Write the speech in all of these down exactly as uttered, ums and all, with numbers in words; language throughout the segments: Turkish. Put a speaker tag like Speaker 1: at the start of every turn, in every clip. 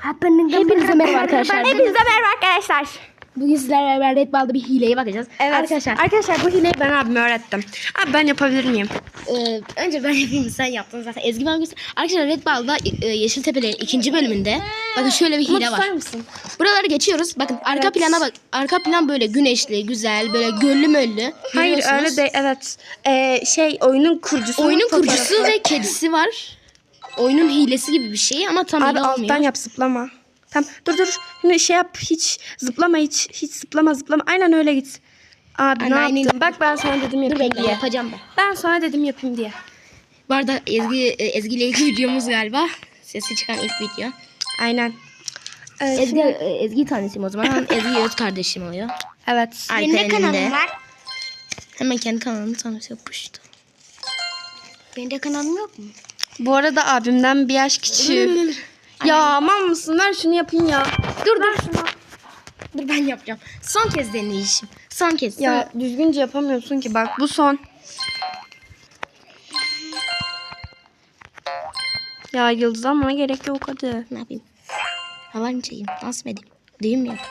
Speaker 1: Hepinize merhaba arkadaşlar.
Speaker 2: Hepinize merhaba arkadaşlar.
Speaker 1: Bugün sizlerle beraber Red Ball'da bir hileye bakacağız.
Speaker 2: Evet
Speaker 1: Arkadaşlar,
Speaker 2: arkadaşlar bu hileyi ben abime öğrettim. Abi ben yapabilir miyim?
Speaker 1: e, önce ben yapayım, sen yaptın zaten. Ezgi bana göster. Arkadaşlar Red Ball'da e, Yeşiltepe'lerin ikinci bölümünde bakın şöyle bir hile var.
Speaker 2: Mısın?
Speaker 1: Buraları geçiyoruz. Bakın arka
Speaker 2: Evet.
Speaker 1: plana bak. Arka plan böyle güneşli, güzel, böyle göllü möllü.
Speaker 2: Hayır
Speaker 1: Görüyorsunuz.
Speaker 2: öyle de evet. Ee, şey oyunun kurucusu.
Speaker 1: Oyunun kurucusu ve kedisi var. Oyunun hilesi gibi bir şey ama tam
Speaker 2: Abi
Speaker 1: hile
Speaker 2: alttan
Speaker 1: olmuyor.
Speaker 2: yap zıplama. Tamam dur dur. Şimdi şey yap hiç zıplama hiç hiç zıplama zıplama. Aynen öyle git. Abi
Speaker 1: Aynen,
Speaker 2: ne
Speaker 1: aynen.
Speaker 2: yaptın? Bak ben sana dedim
Speaker 1: Dur
Speaker 2: yapayım
Speaker 1: bekle,
Speaker 2: diye.
Speaker 1: yapacağım ben.
Speaker 2: Ben sana dedim yapayım diye.
Speaker 1: Bu arada Ezgi, e, Ezgi ile ilk videomuz galiba. Sesi çıkan ilk video.
Speaker 2: Aynen. Ee,
Speaker 1: Ezgi,
Speaker 2: şimdi-
Speaker 1: e, Ezgi tanışayım o zaman. Ezgi öz kardeşim oluyor.
Speaker 2: evet.
Speaker 1: Benim de kanalım var. Hemen kendi kanalını tanıtıyor puştu. Benim de kanalım yok mu?
Speaker 2: Bu arada abimden bir yaş küçüğüm. Ya aman mısın ver şunu yapayım ya.
Speaker 1: Dur dur. Dur ben yapacağım. Son kez deneyişim. Son kez.
Speaker 2: Ya düzgünce yapamıyorsun ki bak bu son. Ya yıldızlanmana gerek yok hadi.
Speaker 1: Ne yapayım? Hava mı çekeyim? Nasıl edeyim? Düğüm mü yapayım?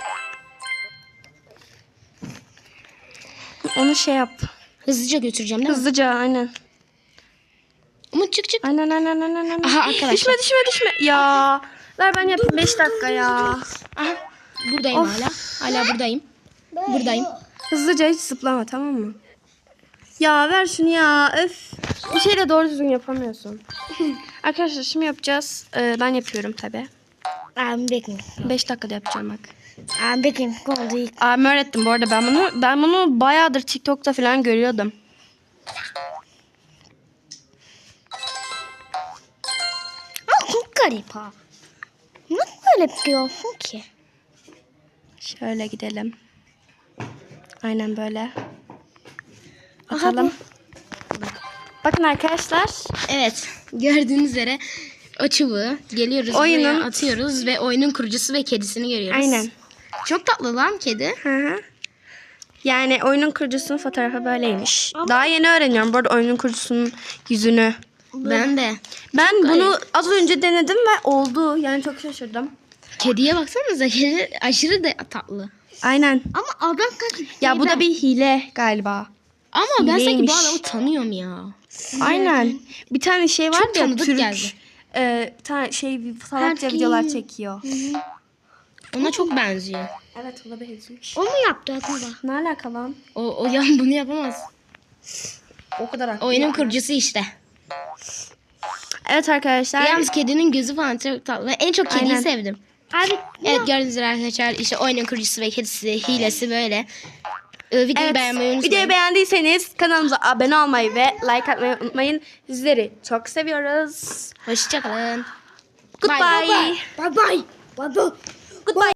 Speaker 2: Onu şey yap.
Speaker 1: Hızlıca götüreceğim değil mi?
Speaker 2: Hızlıca aynen.
Speaker 1: Umut çık çık.
Speaker 2: Aynen aynen aynen. aynen.
Speaker 1: Aha arkadaşlar.
Speaker 2: Düşme düşme düşme. Ya. Ver ben yapayım beş dakika ya.
Speaker 1: Aha. Buradayım
Speaker 2: Of.
Speaker 1: hala. Hala buradayım. Buradayım.
Speaker 2: Hızlıca hiç zıplama tamam mı? Ya ver şunu ya. Öf. Bir şey de doğru düzgün yapamıyorsun. Arkadaşlar şimdi yapacağız. Ee, ben yapıyorum tabi.
Speaker 1: Abim bekliyor.
Speaker 2: beş dakikada yapacağım bak.
Speaker 1: Abim bekliyor. Oldu ilk.
Speaker 2: Abim öğrettim bu arada ben bunu. Ben bunu bayağıdır TikTok'ta falan görüyordum.
Speaker 1: Aa, çok garip ha. Nasıl böyle yapıyorsun ki?
Speaker 2: Şöyle gidelim. Aynen böyle.
Speaker 1: Aha,
Speaker 2: Atalım. Bakın arkadaşlar.
Speaker 1: Evet. Gördüğünüz üzere o çubuğu geliyoruz
Speaker 2: Oyunun-
Speaker 1: buraya atıyoruz ve oyunun kurucusu ve kedisini görüyoruz.
Speaker 2: Aynen.
Speaker 1: Çok tatlı lan kedi.
Speaker 2: Hı hı. Yani oyunun kurucusunun fotoğrafı böyleymiş. Daha yeni öğreniyorum bu arada oyunun kurucusunun yüzünü.
Speaker 1: Ben de.
Speaker 2: Ben
Speaker 1: Çok
Speaker 2: bunu
Speaker 1: garip.
Speaker 2: az önce denedim ve oldu. Yani çok şaşırdım.
Speaker 1: Kediye baksanıza, kedi aşırı da tatlı.
Speaker 2: Aynen.
Speaker 1: Ama adam kaç...
Speaker 2: Ya bu da bir hile galiba.
Speaker 1: Ama ben sanki
Speaker 2: hileymiş.
Speaker 1: bu adamı tanıyorum ya.
Speaker 2: Aynen. Bir tane şey var
Speaker 1: Çok
Speaker 2: ya
Speaker 1: tanıdık
Speaker 2: Türk.
Speaker 1: geldi.
Speaker 2: E, bir tane şey salakça
Speaker 1: Herkes-
Speaker 2: videolar çekiyor.
Speaker 1: Ona çok benziyor.
Speaker 2: Evet o da benziyor.
Speaker 1: O mu yaptı acaba?
Speaker 2: Ne alaka lan?
Speaker 1: O, o ya bunu yapamaz.
Speaker 2: O kadar haklı.
Speaker 1: Oyunun kurucusu işte.
Speaker 2: Evet arkadaşlar.
Speaker 1: Yalnız kedinin gözü falan çok tatlı. Ve en çok kediyi
Speaker 2: Aynen.
Speaker 1: sevdim. Abi, evet gördüğünüz üzere arkadaşlar işte oyunun kurucusu ve kedisi hilesi böyle. Ee, videoyu
Speaker 2: Evet.
Speaker 1: beğenmeyi unutmayın.
Speaker 2: Videoyu beğendiyseniz kanalımıza abone olmayı ve like atmayı unutmayın. Sizleri çok seviyoruz.
Speaker 1: Hoşçakalın.
Speaker 2: Goodbye.
Speaker 1: Bye bye. Bye bye. Bye bye.
Speaker 2: Goodbye.